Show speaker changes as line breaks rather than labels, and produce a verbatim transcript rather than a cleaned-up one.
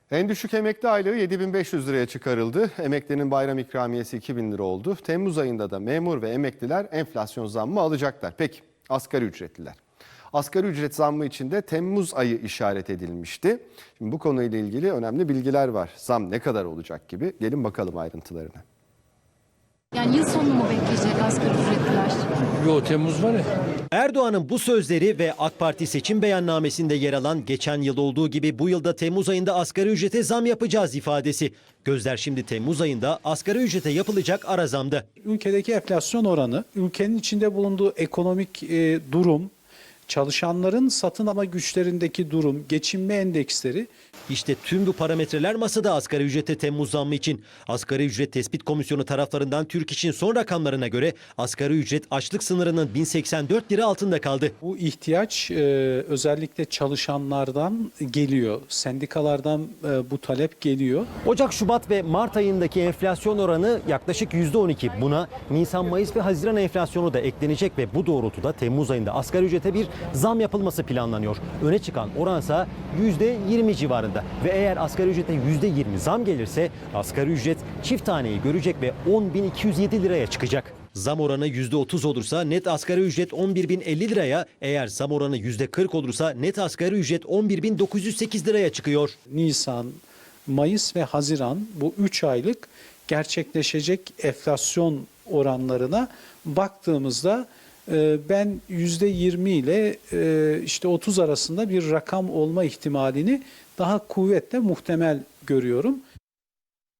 En düşük emekli aylığı yedi bin beş yüz liraya çıkarıldı. Emeklinin bayram ikramiyesi iki bin lira oldu. Temmuz ayında da memur ve emekliler enflasyon zammı alacaklar. Peki asgari ücretliler? Asgari ücret zammı için de Temmuz ayı işaret edilmişti. Şimdi bu konuyla ilgili önemli bilgiler var. Zam ne kadar olacak gibi. Gelin bakalım ayrıntılarına.
Yani yıl sonunu mu bekleyecek asgari ücretliler?
Yo, Temmuz var ya.
Erdoğan'ın bu sözleri ve AK Parti seçim beyannamesinde yer alan geçen yıl olduğu gibi bu yılda Temmuz ayında asgari ücrete zam yapacağız ifadesi. Gözler şimdi Temmuz ayında asgari ücrete yapılacak ara zamda.
Ülkedeki enflasyon oranı, ülkenin içinde bulunduğu ekonomik e, durum, çalışanların satın alma güçlerindeki durum, geçinme endeksleri.
İşte tüm bu parametreler masada asgari ücrete Temmuz zammı için. Asgari ücret tespit komisyonu taraflarından Türk İş'in son rakamlarına göre asgari ücret açlık sınırının bin seksen dört lira altında kaldı.
Bu ihtiyaç e, özellikle çalışanlardan geliyor, sendikalardan e, bu talep geliyor.
Ocak, Şubat ve Mart ayındaki enflasyon oranı yaklaşık yüzde on iki. Buna Nisan, Mayıs ve Haziran enflasyonu da eklenecek ve bu doğrultuda Temmuz ayında asgari ücrete bir zam yapılması planlanıyor. Öne çıkan oransa yüzde yirmi civarında. Ve eğer asgari ücrete yüzde yirmi zam gelirse asgari ücret çift taneyi görecek ve on bin iki yüz yedi liraya çıkacak. Zam oranı yüzde otuz olursa net asgari ücret on bir bin elli liraya, eğer zam oranı yüzde kırk olursa net asgari ücret on bir bin dokuz yüz sekiz liraya çıkıyor.
Nisan, Mayıs ve Haziran bu üç aylık gerçekleşecek enflasyon oranlarına baktığımızda ben yüzde yirmi ile işte otuz arasında bir rakam olma ihtimalini daha kuvvetle muhtemel görüyorum.